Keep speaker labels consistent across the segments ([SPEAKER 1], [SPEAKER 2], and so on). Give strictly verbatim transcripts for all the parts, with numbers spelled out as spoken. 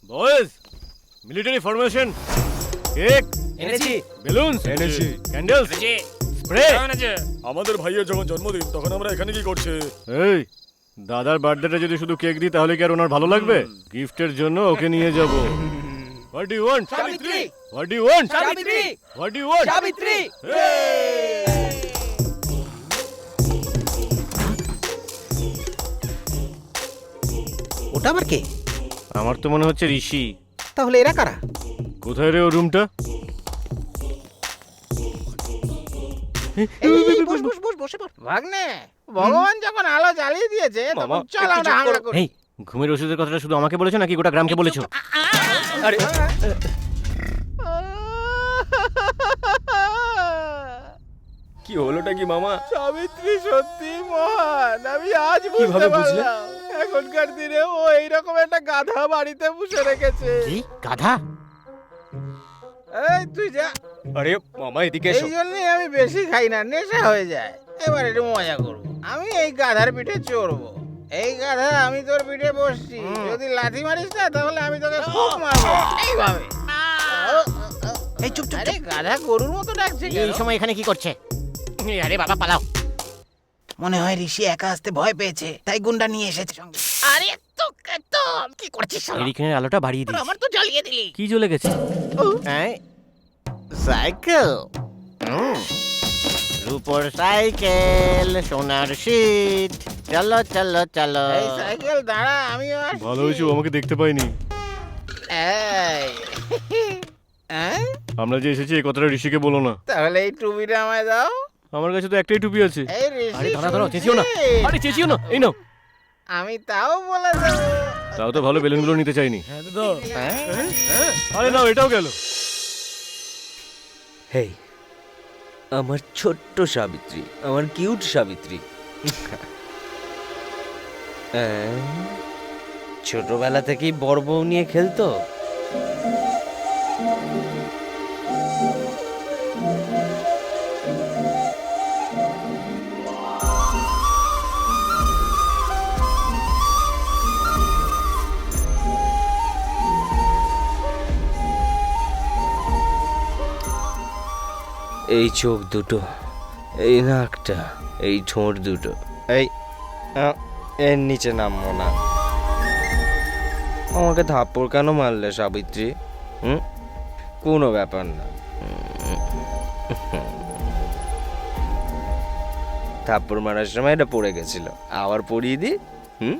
[SPEAKER 1] Boys, military formation, cake
[SPEAKER 2] এনেছি,
[SPEAKER 1] balloons
[SPEAKER 3] এনেছি,
[SPEAKER 1] candles
[SPEAKER 2] এনেছি,
[SPEAKER 1] স্প্রে।
[SPEAKER 2] এনেছি।
[SPEAKER 3] আমাদের ভাইয়ের যখন জন্মদিন তখন আমরা এখানে কি করছে?
[SPEAKER 1] এই দাদার বার্থডেটা যদি শুধু কেক দিই তাহলে কি আর ওনার ভালো লাগবে? গিফটের জন্য ওকে নিয়ে যাব। What do you want?
[SPEAKER 2] Savitri,
[SPEAKER 1] what do you want?
[SPEAKER 2] Savitri,
[SPEAKER 1] what do you want?
[SPEAKER 2] Savitri.
[SPEAKER 4] ওটা আবার কে?
[SPEAKER 1] আমার তো মনে হচ্ছে ঋষি।
[SPEAKER 4] তাহলে এরা কারা?
[SPEAKER 1] কোথায় রে ও রুমটা?
[SPEAKER 4] এই, এই, বস বস বস বসে পড়।
[SPEAKER 5] ভাগ্নে, ভগবান যখন আলো জ্বালিয়ে দিয়েছে তখন চল আমরা হামলা করি।
[SPEAKER 1] এই ঘুমের ওষুধের কথাটা শুধু আমাকে বলেছো নাকি গোটা গ্রামকে বলেছো?
[SPEAKER 2] আরে কি হলোটা কি মামা?
[SPEAKER 5] সাবিত্রী সত্যি মহান, আমি আজ বুঝতে
[SPEAKER 2] কিভাবে বুঝলে?
[SPEAKER 5] পারলাম। এখনকার দিনে ও এইরকম একটা গাধা বাড়িতে পুষে রেখেছে।
[SPEAKER 1] কি গাধা?
[SPEAKER 5] এই তুই যা।
[SPEAKER 2] আরে মামা এদিকে
[SPEAKER 5] এই
[SPEAKER 2] এসো।
[SPEAKER 5] জন্যই আমি বেশি খাই না, নেশা হয়ে যায়। এবার একটু মজা করবো। আমি এই গাধার পিঠে চড়বো। এই গাধা, আমি তোর পিঠে বসছি, যদি লাথি মারিস না তাহলে আমি তোকে খুব মারবো এইভাবে।
[SPEAKER 4] এই চুপ চুপ
[SPEAKER 5] আরে গাধা গরুর মতো ডাকছে
[SPEAKER 1] এই
[SPEAKER 5] কেন?
[SPEAKER 1] সময় এখানে কি করছে? আরে বাবা পালাও।
[SPEAKER 4] মনে হয় ঋষি একা আসতে ভয় পেয়েছে, তাই গুন্ডা নিয়ে এসেছে সঙ্গে।
[SPEAKER 5] আরে তো তো কি করছিস শালা?
[SPEAKER 1] এরিকেনের আলোটা বাড়িয়ে দিস।
[SPEAKER 5] আমার তো জ্বালিয়ে দিলি।
[SPEAKER 1] কি জ্বলে গেছে? হ্যাঁ সাইকেল, রূপোর সাইকেল, সোনার শীত, চলো চলো চলো।
[SPEAKER 5] এই সাইকেল দাঁড়া, আমি আসছি।
[SPEAKER 1] ভালো হয়েছে ও আমাকে দেখতে পাইনি।
[SPEAKER 5] এই হ্যাঁ?
[SPEAKER 1] আমরা যে এসেছি এই কথাটা ঋষিকে বলো না।
[SPEAKER 5] তাহলে এই টুপিটা আমায় দাও।
[SPEAKER 1] আমার কাছে তো একটাই টুপি আছে।
[SPEAKER 5] এই ঋষি,
[SPEAKER 1] আরে দাঁড়া দাঁড়াও, চেঁচিও না।
[SPEAKER 5] শুনছিস?
[SPEAKER 1] আরে চেঁচিও না, এই নাও।
[SPEAKER 5] আমি তাও বলে দেবো।
[SPEAKER 1] তাও তো ভালো বেলুনগুলো নিতে চাইনি।
[SPEAKER 5] হ্যাঁ?
[SPEAKER 1] আরে নাও, এটাও গেল।
[SPEAKER 2] হেই, আমার ছোট্ট সাবিত্রী, আমার কিউট সাবিত্রী। আহ, ছোটবেলা থেকেই বড় বউ নিয়ে খেলতো। এই চোখ দুটো, এই নাকটা, এই ঠোঁট দুটো, এই আহ, এর নিচে নামবো না। আমাকে থাপ্পড় কেন মারলে সাবিত্রী? হুম, কোনো ব্যাপার না। থাপ্পড় মারার সময় এটা পড়ে গেছিল, আবার পড়িয়ে দি। হুম,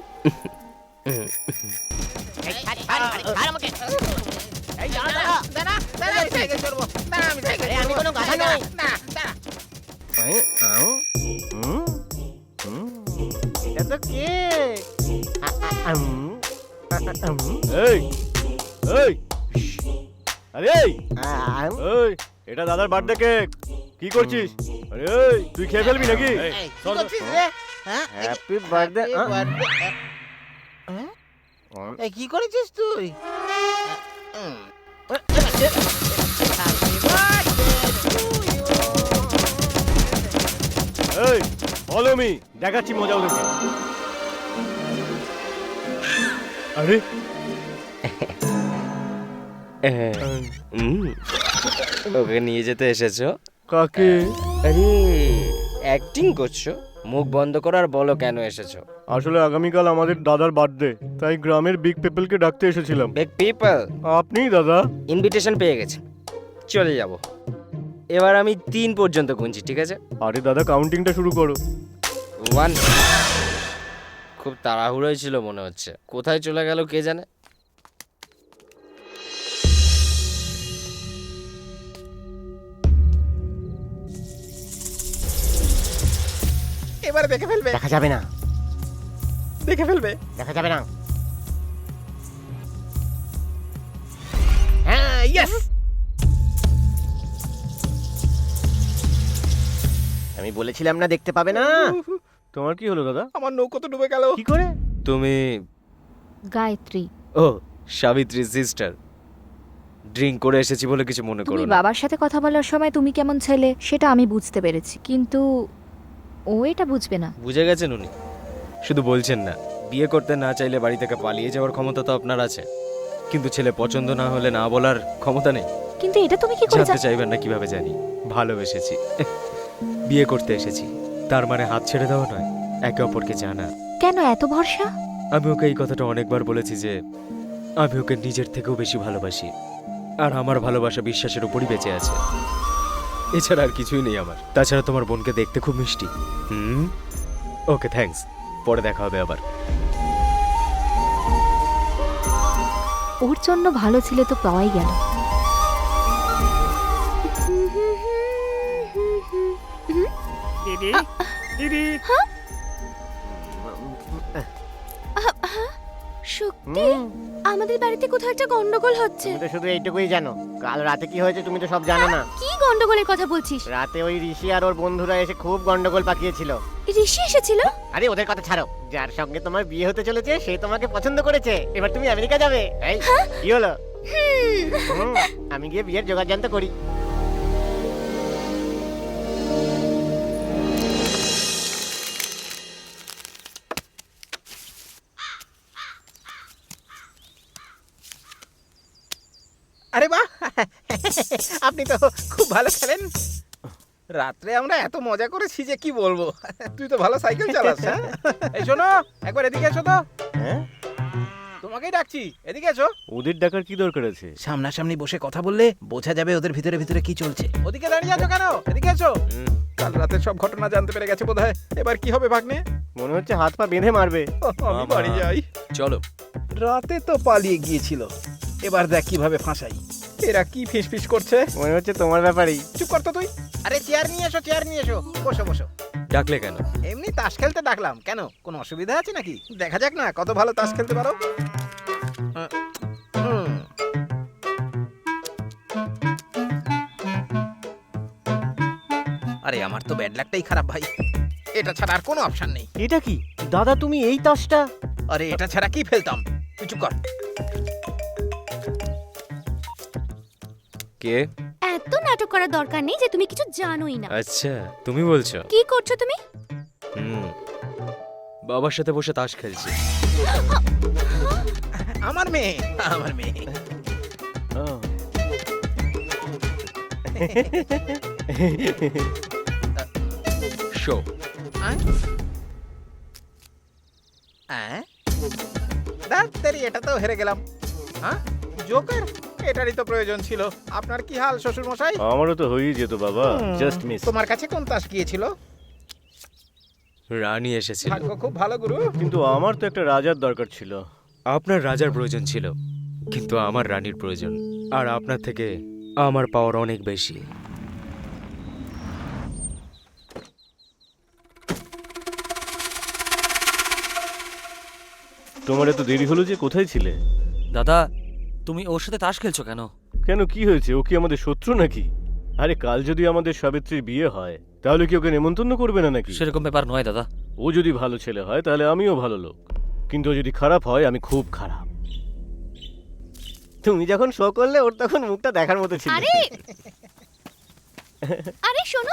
[SPEAKER 5] দাঁড়া, দাঁড়া, দাঁড়া, আমি সাইকেল চড়বো। দাঁড়া, আমি সাইকেল চড়বো। দাঁড়া, দাঁড়া, দাঁড়া। এটা তো কে?
[SPEAKER 1] এই এই আরে এই এই, এটা দাদার বার্থডে কেক। কি করছিস? আরে এই তুই খেয়ে ফেলবি নাকি?
[SPEAKER 5] এই, কি করছিস রে? হ্যাঁ?
[SPEAKER 1] Happy birthday.
[SPEAKER 5] Happy birthday. হ্যাঁ? এই, কি করেছিস তুই? Um. Happy birthday to you.
[SPEAKER 1] এই ফলো মি, দেখাচ্ছি মজা ওদেরকে। আরে
[SPEAKER 2] হুম, ওকে নিয়ে যেতে এসেছো?
[SPEAKER 1] কাকে?
[SPEAKER 2] আরে অ্যাক্টিং করছো? মুখ বন্ধ করো আর বলো কেন এসেছো।
[SPEAKER 1] আসলে আগামীকাল আমাদের দাদার বার্থডে, তাই গ্রামের বিগ পিপলকে ডাকতে এসেছিলাম।
[SPEAKER 2] বিগ পিপল,
[SPEAKER 1] আপনি দাদা?
[SPEAKER 2] ইনভিটেশন পেয়ে গেছে, চলে যাব। এবার আমি তিন পর্যন্ত গুনছি, ঠিক আছে?
[SPEAKER 1] আরে দাদা কাউন্টিংটা শুরু করো।
[SPEAKER 2] ওয়ান। খুব তাড়াহুড়োই ছিল মনে হচ্ছে, কোথায় চলে গেল কে জানে।
[SPEAKER 5] এবারে দেখে ফেলবে,
[SPEAKER 1] দেখা যাবে না,
[SPEAKER 5] দেখে ফেলবে।
[SPEAKER 1] দেখা যাবে না।
[SPEAKER 5] হ্যাঁ, ইয়েস।
[SPEAKER 1] আমি বলেছিলাম না দেখতে পাবে না। তোমার কি হলো দাদা?
[SPEAKER 5] আমার নৌকো তো ডুবে গেল।
[SPEAKER 1] কি করে?
[SPEAKER 2] তুমি
[SPEAKER 6] গায়ত্রী,
[SPEAKER 2] ও সাবিত্রী সিস্টার, ড্রিঙ্ক করে এসেছি বলে কিছু মনে করো
[SPEAKER 6] তুমি
[SPEAKER 2] না।
[SPEAKER 6] বাবার সাথে কথা বলার সময় তুমি কেমন ছেলে সেটা আমি বুঝতে পেরেছি, কিন্তু ও এটা বুঝবে না।
[SPEAKER 2] বুঝে গেছেন উনি, শুধু বলছেন না। বিয়ে করতে না চাইলে বাড়ি থেকে পালিয়ে যাওয়ার ক্ষমতা তো আপনার আছে। কিন্তু ছেলে পছন্দ না হলে না বলার ক্ষমতা নেই।
[SPEAKER 6] কিন্তু এটা তুমি কি করে
[SPEAKER 2] জানতে
[SPEAKER 6] জান-
[SPEAKER 2] চাইবেন না কিভাবে জানি? ভালোবেসেছি, বিয়ে করতে এসেছি, তার মানে হাত ছেড়ে দেওয়া নয়, একে অপরকে জানা।
[SPEAKER 6] কেন এত ভরসা?
[SPEAKER 2] আমি ওকে এই কথাটা অনেকবার বলেছি যে আমি ওকে নিজের থেকেও বেশি ভালোবাসি, আর আমার ভালোবাসা বিশ্বাসের উপরই বেঁচে আছে। এছাড়া আর কিছুই নেই আমার। তাছাড়া তোমার বোনকে দেখতে খুব মিষ্টি। হুম, ওকে থ্যাঙ্কস, পরে দেখা হবে আবার।
[SPEAKER 6] ওর জন্য ভালো ছেলে তো পাওয়াই গেল।
[SPEAKER 3] দিদি দিদি
[SPEAKER 7] শক্তি, আমাদের বাড়িতে কোথাও একটা গন্ডগোল হচ্ছে।
[SPEAKER 8] তুমি তো শুধু এইটুকুই জানো, কাল রাতে কি হয়েছে তুমি তো সব জানো না।
[SPEAKER 7] কি গন্ডগোলের কথা বলছিস?
[SPEAKER 8] রাতে ওই ঋষি আর ওর বন্ধুরা এসে খুব গন্ডগোল পাকিয়েছিল।
[SPEAKER 7] ঋষি এসেছিল?
[SPEAKER 8] আরে ওদের কথা ছাড়ো, যার সঙ্গে তোমার বিয়ে হতে চলেছে সে তোমাকে পছন্দ করেছে, এবার তুমি আমেরিকা যাবে। এই কি হলো? হুম, আমি গিয়ে বিয়ের জোগাড় জানতে করি।
[SPEAKER 5] আরে বাহ, আপনি তো খুব ভালো খেলেন। রাত্রে আমরা এত মজা করেছি যে কি বলবো। তুই তো ভালো সাইকেল চালাস। হ্যাঁ? এই শোনো, একবার এদিকে এসো তো।
[SPEAKER 1] হ্যাঁ,
[SPEAKER 5] তোমাকেই ডাকছি, এদিকে এসো।
[SPEAKER 1] ওদের ডাকার কি দরকার আছে?
[SPEAKER 4] সামনাসামনি বসে কথা বললে বোঝা যাবে ওদের ভিতরে ভিতরে কি চলছে।
[SPEAKER 5] ওদিকে দাঁড়িয়ে আছো কেন? এদিকে এসো। কাল রাতে সব ঘটনা জানতে পেরে গেছে বোধহয়। এবার কি হবে ভাগ্নে?
[SPEAKER 1] মনে হচ্ছে হাত পা বেঁধে মারবে।
[SPEAKER 5] আমি বাড়ি যাই।
[SPEAKER 2] চলো।
[SPEAKER 5] রাতে তো পালিয়ে গিয়েছিল, এবার দেখ কিভাবে ফাঁসাই। এরা কি ফিস ফিস করছে?
[SPEAKER 1] মনে হচ্ছে তোমার ব্যাপারেই।
[SPEAKER 5] চুপ কর তো তুই। আরে চেয়ার নিয়ে এসো, চেয়ার নিয়ে এসো। বসো বসো।
[SPEAKER 2] ডাকলে কেন?
[SPEAKER 5] এমনি তাস খেলতে ডাকলাম। কেন, কোনো অসুবিধা আছে নাকি? দেখা যাক না কত ভালো তাস খেলতে পারো। আহ, হুম। আরে আমার তো ব্যাড লাকটাই খারাপ ভাই, এটা ছাড়া আর কোনো অপশন নেই।
[SPEAKER 1] এটা কি দাদা, তুমি এই তাসটা?
[SPEAKER 5] আরে এটা ছাড়া কি ফেলতাম? তুই চুপ কর।
[SPEAKER 2] কে?
[SPEAKER 7] এত নাটক করার দরকার নেই যে তুমি কিছু জানোই না।
[SPEAKER 2] আচ্ছা, তুমি বলছো?
[SPEAKER 7] কি করছো তুমি?
[SPEAKER 2] হুম, বাবার সাথে বসে তাস খেলছি।
[SPEAKER 5] আমার মেয়ে, আমার মেয়ে।
[SPEAKER 1] আহ,
[SPEAKER 2] শো।
[SPEAKER 5] আহ? আহ? ডাক্তারি, এটা তো হেরে গেলাম। হ্যাঁ, জোকার, এটারই তো প্রয়োজন ছিল। আপনার কি হাল শ্বশুর মশাই?
[SPEAKER 1] আমারও তো হয়েই যেত বাবা, জাস্ট মিস।
[SPEAKER 5] তোমার কাছে কোন তাস গিয়েছিল?
[SPEAKER 2] রানী এসেছিল।
[SPEAKER 5] ভাগ্য খুব ভালো গুরু।
[SPEAKER 1] কিন্তু আমার তো একটা রাজার দরকার ছিল।
[SPEAKER 2] আপনার রাজার প্রয়োজন ছিল, কিন্তু আমার রানীর প্রয়োজন। আর আপনার থেকে আমার পাওয়ার অনেক বেশি।
[SPEAKER 1] তোমার এত দেরি হলো যে, কোথায় ছিলে?
[SPEAKER 9] দাদা, তুমি ওর সাথে তাস খেলছো কেন?
[SPEAKER 1] কেন, কি হয়েছে? ও কি আমাদের শত্রু নাকি? আরে কাল যদি আমাদের সাবিত্রীর বিয়ে হয় তাহলে কি ওকে নেমন্তন্ন করবে না নাকি?
[SPEAKER 9] সেরকম ব্যাপার নয় দাদা।
[SPEAKER 1] ও যদি ভালো ছেলে হয় তাহলে আমিও ভালো লোক, কিন্তু ও যদি খারাপ হয় আমি খুব খারাপ।
[SPEAKER 8] তুমি যখন শো করলে ওর তখন মুখটা দেখার মতো ছিল।
[SPEAKER 7] আরে আরে শোনো,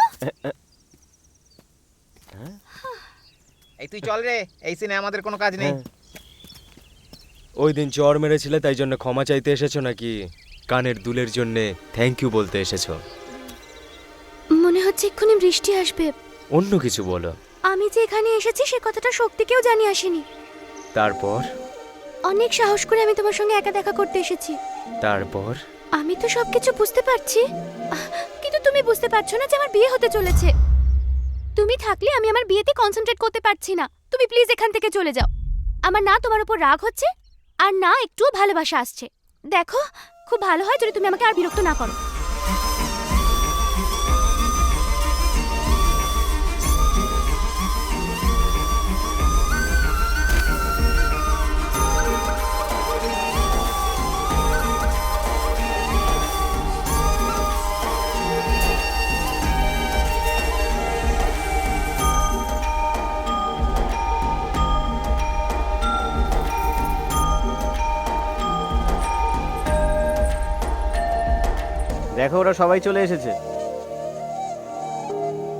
[SPEAKER 5] এই তুই চল রে, এই সিনে আমাদের কোনো কাজ নেই।
[SPEAKER 2] ওই দিন চর মেরেছিলে তাই জন্য ক্ষমা চাইতে এসেছো নাকি কানের দুলের জন্য থ্যাংক ইউ বলতে এসেছো?
[SPEAKER 7] মনে হচ্ছে এক্ষুনি বৃষ্টি আসবে।
[SPEAKER 2] অন্য কিছু বলো।
[SPEAKER 7] আমি যে এখানে এসেছি সে কথাটা শক্তিকেও জানিয়ে আসিনি।
[SPEAKER 2] তারপর?
[SPEAKER 7] অনেক সাহস করে আমি তোমার সঙ্গে একা দেখা করতে এসেছি।
[SPEAKER 2] তারপর?
[SPEAKER 7] আমি তো সবকিছু বুঝতে পারছি, আহ, কিন্তু তুমি বুঝতে পারছো না যে আমার বিয়ে হতে চলেছে। তুমি থাকলে আমি আমার বিয়েতে কনসেন্ট্রেট করতে পারছি না। তুমি প্লিজ এখান থেকে চলে যাও। আমার না তোমার উপর রাগ হচ্ছে, আর না একটুও ভালোবাসা আসছে। দেখো, খুব ভালো হয় যদি তুমি আমাকে আর বিরক্ত না করো।
[SPEAKER 8] দেখো ওরা সবাই চলে এসেছে।